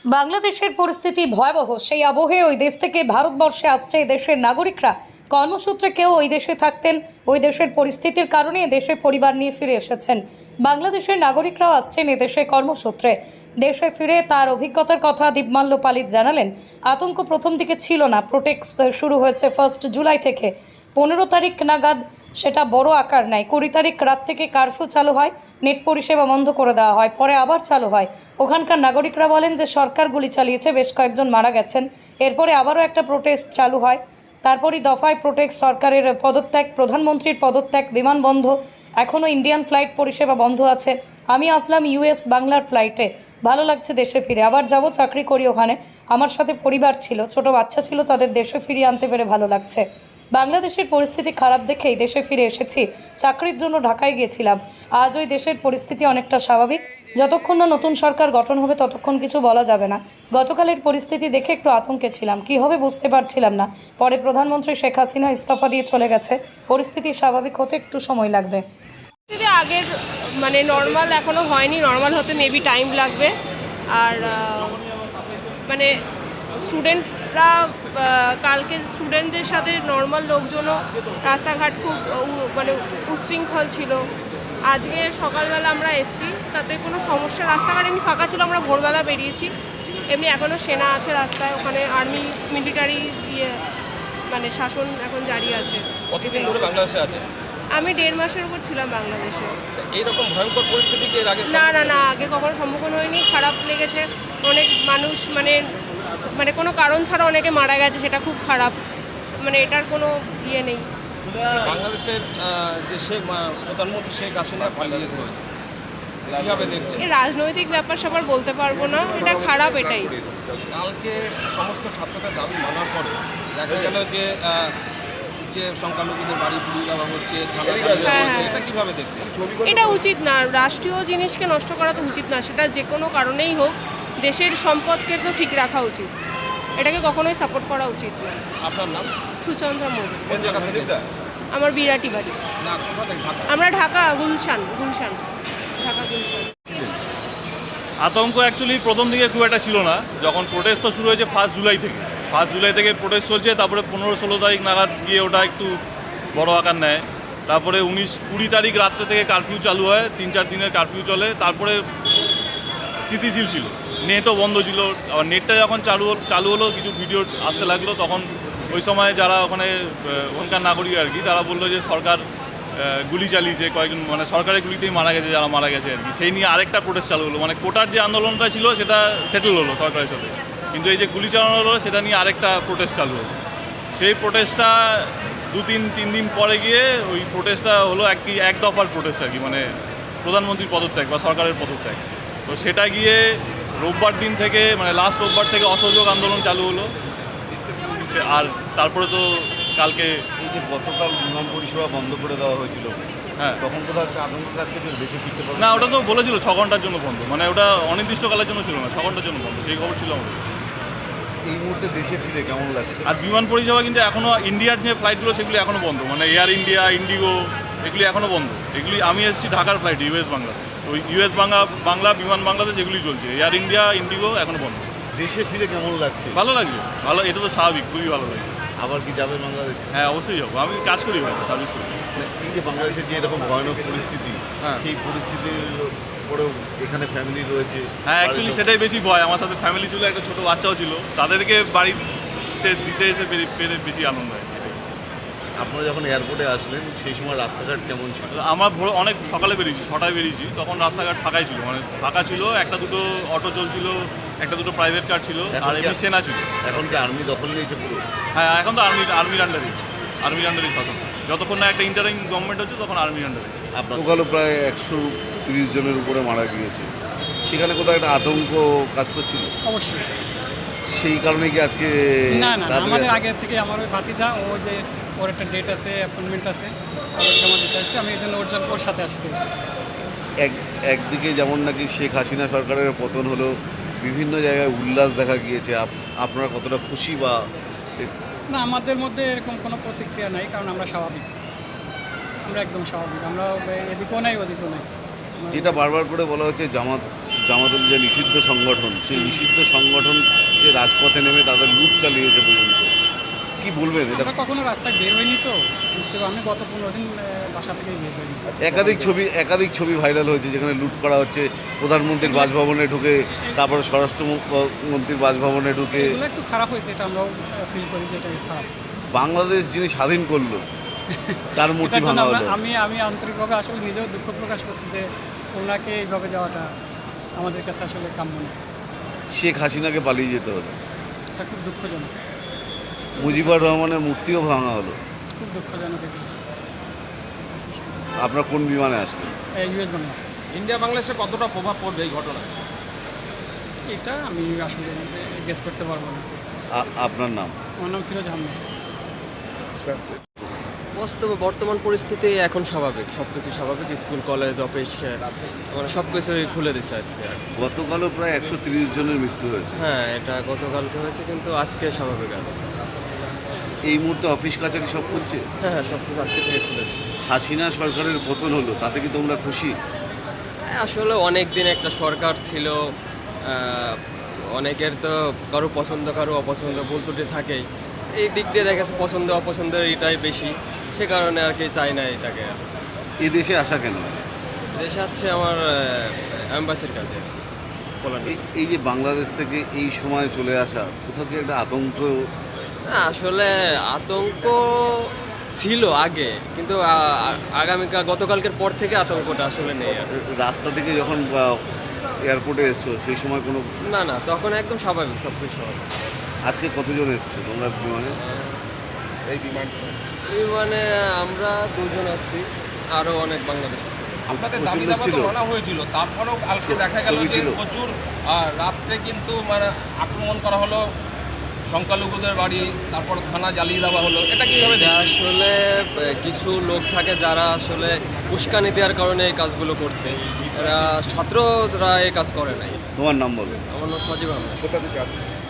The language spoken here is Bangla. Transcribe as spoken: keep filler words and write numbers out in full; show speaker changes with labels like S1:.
S1: বাংলাদেশের পরিস্থিতি ভয়াবহ। সেই আবহে ওই দেশ থেকে ভারতবর্ষে আসছে দেশের নাগরিকরা। কর্মসূত্রে কেউ ওই দেশে থাকতেন, ওই দেশের পরিস্থিতির কারণে দেশে পরিবার নিয়ে ফিরে এসেছেন। বাংলাদেশের নাগরিকরাও আসছেন এদেশে কর্মসূত্রে। দেশে ফিরে তার অভিজ্ঞতার কথা দীপমাল্য পালিত জানালেন। আতঙ্ক প্রথম দিকে ছিল না। প্রোটেক্স শুরু হয়েছে ফার্স্ট জুলাই থেকে। পনেরো তারিখ নাগাদ সেটা বড় আকার নেয়। কুড়ি তারিখ রাত থেকে কারফিউ চালু হয়, নেট পরিষেবা বন্ধ করে দেওয়া হয়, পরে আবার চালু হয়। ওখানকার নাগরিকরা বলেন যে সরকার গুলি চালিয়েছে, বেশ কয়েকজন মারা গেছেন। এরপরে আবারও একটা প্রোটেস্ট চালু হয়। তারপরই দফায় প্রোটেক্ট, সরকারের পদত্যাগ, প্রধানমন্ত্রীর পদত্যাগ, বিমান বন্ধ। এখনও ইন্ডিয়ান ফ্লাইট পরিষেবা বন্ধ আছে। আমি আসলাম ইউএস বাংলার ফ্লাইটে। ভালো লাগছে দেশে ফিরে। আবার যাব, চাকরি করি ওখানে। আমার সাথে পরিবার ছিল, ছোট বাচ্চা ছিল, তাদের দেশে ফিরিয়ে আনতে পেরে ভালো লাগছে। বাংলাদেশের পরিস্থিতি খারাপ দেখেই দেশে ফিরে এসেছি। চাকরির জন্য ঢাকায় গিয়েছিলাম। আজ ওই দেশের পরিস্থিতি অনেকটা স্বাভাবিক। যতক্ষণ না নতুন সরকার গঠন হবে ততক্ষণ কিছু বলা যাবে না। গতকালের পরিস্থিতি দেখে একটু আতঙ্কে ছিলাম, কী হবে বুঝতে পারছিলাম না। পরে প্রধানমন্ত্রী শেখ হাসিনা ইস্তফা দিয়ে চলে গেছে। পরিস্থিতি স্বাভাবিক হতে একটু সময় লাগবে।
S2: আগের মানে নর্মাল এখনও হয়নি, নর্মাল হতে মেবি টাইম লাগবে। আর মানে স্টুডেন্টরা কালকে স্টুডেন্টদের সাথে নর্মাল লোকজনও রাস্তাঘাট খুব মানে উশৃঙ্খল ছিল। আজকে সকালবেলা আমরা এসছি, তাতে কোনো সমস্যা, রাস্তাঘাট এমনি ফাঁকা ছিল। আমরা ভোরবেলা বেরিয়েছি। এমনি এখনও সেনা আছে রাস্তায়, ওখানে আর্মি মিলিটারি ইয়ে মানে শাসন এখন জারি আছে।
S3: কতদিন ধরে বাংলাদেশে আছে?
S2: আমি দেড় মাসের উপর ছিলাম বাংলাদেশে।
S3: এইরকম ভয়ঙ্কর পরিস্থিতি কি এর আগে?
S2: না না না আগে কখনো সম্মুখীন হয়নি। খারাপ লেগেছে। অনেক মানুষ মানে মানে কোনো কারণ ছাড়া অনেকে মারা গেছে, সেটা খুব খারাপ। মানে এটার কোনো ইয়ে নেই।
S3: বাংলাদেশের যে শেখ প্রধানমন্ত্রী শেখ হাসিনা পালিয়ে গেছে, কীভাবে দেখছেন?
S2: এই রাজনৈতিক ব্যাপার সবার বলতে পারবো না, এটা খারাপ। এটাই
S3: কালকে সমস্ত ছাত্রদের দাবি মানার পরে দেখা গেল যে যে সংখ্যালঘুদের বাড়ি পুড়িয়ে দেওয়া হচ্ছে, এটা কীভাবে দেখছেন?
S2: এটা উচিত না। রাষ্ট্রীয় জিনিসকে নষ্ট করা তো উচিত না। সেটা যে কোনো কারণেই হোক, দেশের সম্পদকে তো ঠিক রাখা উচিত। এটাকে কখনোই সাপোর্ট করা উচিত না।
S3: আপনার নাম?
S2: সুচন্দ্রা মোদী।
S3: কোন জায়গা থেকে?
S2: আমার বিরাটি বাড়ি।
S3: না, কোথা থেকে?
S2: আমরা ঢাকা, গুলশান। গুলশান ঢাকা গুলশান।
S4: আতঙ্ক অ্যাকচুয়ালি প্রথম দিকে খুব একটা ছিল না। যখন প্রোটেস্ট তো শুরু হয়েছে ফার্স্ট জুলাই থেকে ফার্স্ট জুলাই থেকে প্রোটেস্ট চলছে। তারপরে পনেরো ষোলো তারিখ নাগাদ গিয়ে ওটা একটু বড় আকার নেয়। তারপরে উনিশ কুড়ি তারিখ রাত্রে থেকে কারফিউ চালু হয়, তিন চার দিনের কারফিউ চলে। তারপরে স্থিতিশীল ছিল, নেটও বন্ধ ছিল। আবার নেটটা যখন চালু চালু হলো, কিছু ভিডিও আসতে লাগলো, তখন ওই সময় যারা ওখানে ওখানকার নাগরিক আর কি, তারা বললো যে সরকার গুলি চালিয়েছে, কয়েকজন মানে সরকারের গুলিতেই মারা গেছে যারা মারা গেছে আর কি। সেই নিয়ে আরেকটা প্রোটেস্ট চালু হলো। মানে কোটার যে আন্দোলনটা ছিল সেটা সেটেল হলো সরকারের সাথে, কিন্তু এই যে গুলি চালানো হলো সেটা নিয়ে আরেকটা প্রোটেস্ট চালু হলো। সেই প্রোটেস্টটা দু তিন তিন দিন পরে গিয়ে ওই প্রোটেস্টটা হলো এক কি এক দফার প্রোটেস্ট আর কি, মানে প্রধানমন্ত্রীর পদত্যাগ বা সরকারের পদত্যাগ। তো সেটা গিয়ে রোববার দিন থেকে মানে লাস্ট রোববার থেকে অসহযোগ আন্দোলন চালু হলো। আর তারপরে তো কালকে
S5: এই যে গতকাল বিমান পরিষেবা বন্ধ করে দেওয়া হয়েছিল,
S4: হ্যাঁ
S5: তখন কোথাও একটা আতঙ্ক কাজ করছিল দেশে ফিরতে পারবে
S4: না। ওটা তো বলেছিল ছ ঘন্টার জন্য বন্ধ, মানে ওটা অনির্দিষ্টকালের জন্য ছিল না, ছ ঘন্টার জন্য বন্ধ, সেই খবর ছিল আমাদের।
S5: এই মুহূর্তে দেশে ফিরে কেমন লাগছে?
S4: আর বিমান পরিষেবা কিন্তু এখনও ইন্ডিয়ার যে ফ্লাইটগুলো সেগুলি এখনও বন্ধ, মানে এয়ার ইন্ডিয়া, ইন্ডিগো, এগুলি এখনও বন্ধ। এগুলি আমি এসেছি ঢাকার ফ্লাইট, ইউএস বাংলা, ওই ইউএস বাংলা বাংলা বিমান বাংলাদেশ এগুলি চলছে। এয়ার ইন্ডিয়া, ইন্ডিগো এখনও বন্ধ।
S5: দেশে ফিরে কেমন লাগছে?
S4: ভালো লাগছে, ভালো, এটা তো স্বাভাবিক, খুবই ভালো লাগে।
S5: আবার কি যাবে বাংলাদেশে?
S4: হ্যাঁ অবশ্যই যাবো, আমি কাজ করি ভাই, সার্ভিস করি।
S5: এই যে বাংলাদেশের যে এরকম ভয়ানক পরিস্থিতি,
S4: হ্যাঁ
S5: সেই পরিস্থিতির পরেও এখানে ফ্যামিলি রয়েছে।
S4: হ্যাঁ অ্যাকচুয়ালি সেটাই বেশি ভয়। আমার সাথে ফ্যামিলি ছিল, একটা ছোটো বাচ্চাও ছিল, তাদেরকে বাড়িতে দিতে এসে পেরে বেশি আনন্দ হয়।
S5: আপনারা যখন এয়ারপোর্টে আসলেন সেই সময় রাস্তাঘাট কেমন ছিল?
S4: আমরা ভোর অনেক সকালে বেরিয়েছি, ছটায় বেরিয়েছি, তখন রাস্তাঘাট ফাঁকাই ছিল, মানে ফাঁকা ছিল। একটা দুটো অটো চলছিল, একটা দুটো প্রাইভেট কার ছিল, আর এমনি সেনা ছিল।
S5: এখন কি আর্মি দখল নিয়েছে পুরো?
S4: হ্যাঁ এখন তো আর্মি আর্মির আন্ডারে আর্মির আন্ডারেই শাসন। যতক্ষণ না একটা ইন্টারিম গভর্নমেন্ট হচ্ছে তখন আর্মির আন্ডারে।
S5: গতকালও প্রায় একশো তিরিশ জনের উপরে মারা গিয়েছে, সেখানে কোথাও একটা আতঙ্ক কাজ করছিল?
S6: অবশ্যই।
S5: সেই কারণে কি আজকে?
S6: না না আমাদের আগে থেকে আমার ওই ভাতিজা, ও যে ওর একটা ডেট আছে, অ্যাপয়েন্টমেন্ট আছে, ওর জমা দিতে আসছে। আমি এই জন্য ওর জন্য ওর সাথে আসছি।
S5: এক একদিকে যেমন নাকি শেখ হাসিনা সরকারের পতন হলো, বিভিন্ন জায়গায় উল্লাস দেখা গিয়েছে, আপনারা কতটা খুশি? বা
S6: না, আমাদের মধ্যে এরকম কোনো প্রতিক্রিয়া নাই, কারণ আমরা স্বাভাবিক, আমরা একদম স্বাভাবিক। আমরা এদিকেও নাই ওদিকেও নাই।
S5: যেটা বারবার করে বলা হচ্ছে জামাত জামাতুল যে নিষিদ্ধ সংগঠন, সেই নিষিদ্ধ সংগঠনকে রাজপথে নেমে তাদের লুট চালিয়েছে পর্যন্ত, কি বলবেন এটা?
S6: আমরা কখনো রাস্তায় বের হইনি তো বুঝতে পারি। আমি গত পনেরো দিন আহ, বাসা থেকেই বের হইনি।
S5: একাধিক ছবি একাধিক ছবি ভাইরাল হয়েছে যেখানে লুট করা হচ্ছে, প্রধানমন্ত্রীর বাসভবনে ঢুকে, তারপরে স্বরাষ্ট্রমন্ত্রীর বাসভবনে ঢুকে।
S6: এগুলো একটু খারাপ হয়েছে, এটা আমরাও ফিল করি যে এটা খারাপ।
S5: বাংলাদেশ যিনি স্বাধীন করলো তার মূর্তি
S6: এটার জন্য
S5: ভাঙা
S6: আমরা
S5: হলো।
S6: আমি আমি আন্তরিকভাবে আসলে নিজেও দুঃখ প্রকাশ করছি যে ওনাকে এইভাবে যাওয়াটা আমাদের কাছে আসলে কাম্য না।
S5: শেখ হাসিনাকে পালিয়ে যেতে হলো,
S6: এটা খুব দুঃখজনক,
S5: মুজিবুর রহমানের মূর্তিও ভাঙা হলো।
S6: খুব দুঃখজনক। এটা
S5: আপনার কোন বিমানে আসবেন?
S6: ইউএস বাংলা,
S3: ইন্ডিয়া বাংলাদেশে কতটা প্রভাব পড়বে এই ঘটনা?
S6: এটা আমি আসলে গেস করতে পারবো না।
S5: আ- আপনার নাম?
S6: আমার নাম ফিরোজ আহমেদ।
S7: বাস্তবে বর্তমান পরিস্থিতি এখন স্বাভাবিক, সব কিছু স্বাভাবিক। স্কুল, কলেজ, অফিস মানে সব কিছুই খুলে দিচ্ছে আজকে।
S5: গতকালও প্রায় একশো তিরিশ জনের মৃত্যু হয়েছে।
S7: হ্যাঁ, এটা গতকালকে হয়েছে, কিন্তু আজকে স্বাভাবিক আছে।
S5: এই মুহূর্তে অফিস কাছারি সব খুলছে।
S7: হ্যাঁ হ্যাঁ, সব কিছু আজকে থেকে খুলে দিচ্ছে।
S5: হাসিনা সরকারের পতন হলো, তাতে কি তোমরা খুশি?
S7: হ্যাঁ, আসলে অনেক দিন একটা সরকার ছিল, আহ, অনেকের তো কারো পছন্দ কারো অপছন্দ ভুল ত্রুটি থাকেই। এই দিক দিয়ে দেখা যাচ্ছে পছন্দ অপছন্দের এটাই বেশি, সে কারণে আর কি চাই না এটাকে।
S5: এই দেশে আসা কেন?
S7: দেশে আছে আমার অ্যাম্বাসির কাজে পোল্যান্ডে।
S5: এই- এই যে বাংলাদেশ থেকে এই সময় চলে আসা, কোথাও কি একটা আতঙ্ক?
S7: না, আসলে আতঙ্ক ছিল আগে, কিন্তু আ- আ- আগামীকাল গতকালকের পর থেকে আতঙ্কটা আসলে নেই আর।
S5: রাস্তা থেকে যখন এয়ারপোর্টে এসছো সেই সময় কোনো,
S7: না না, তখন একদম স্বাভাবিক, সব কিছু স্বাভাবিক।
S5: আজকে কতজন এসছো তোমরা বিমানে?
S3: এই বিমান
S7: মানে আমরা দুজন আছি, আরও অনেক বাংলাদেশ আছে।
S3: আপনাদের
S5: প্রচুর
S3: দাবি
S5: লোক
S3: দাবা
S5: ছিল?
S3: তো বলা হয়েছিল, তারপরেও কালকে
S5: ছবি
S3: দেখা গেল যে
S5: ছিল?
S3: প্রচুর আহ, রাত্রে কিন্তু মানে আক্রমণ করা হলো সংখ্যালঘুদের বাড়ি, তারপর থানা জ্বালিয়ে দেওয়া হলো, এটা কিভাবে
S7: এটা
S3: দেখছেন?
S7: আসলে আহ, কিছু লোক থাকে যারা আসলে উস্কানি দেওয়ার কারণে এই কাজগুলো করছে। এরা ছাত্ররা এই কাজ করে নাই।
S5: তোমার নাম বলো।
S7: আমার নাম সজীব আহমেদ।
S5: কোথা থেকে আসছে?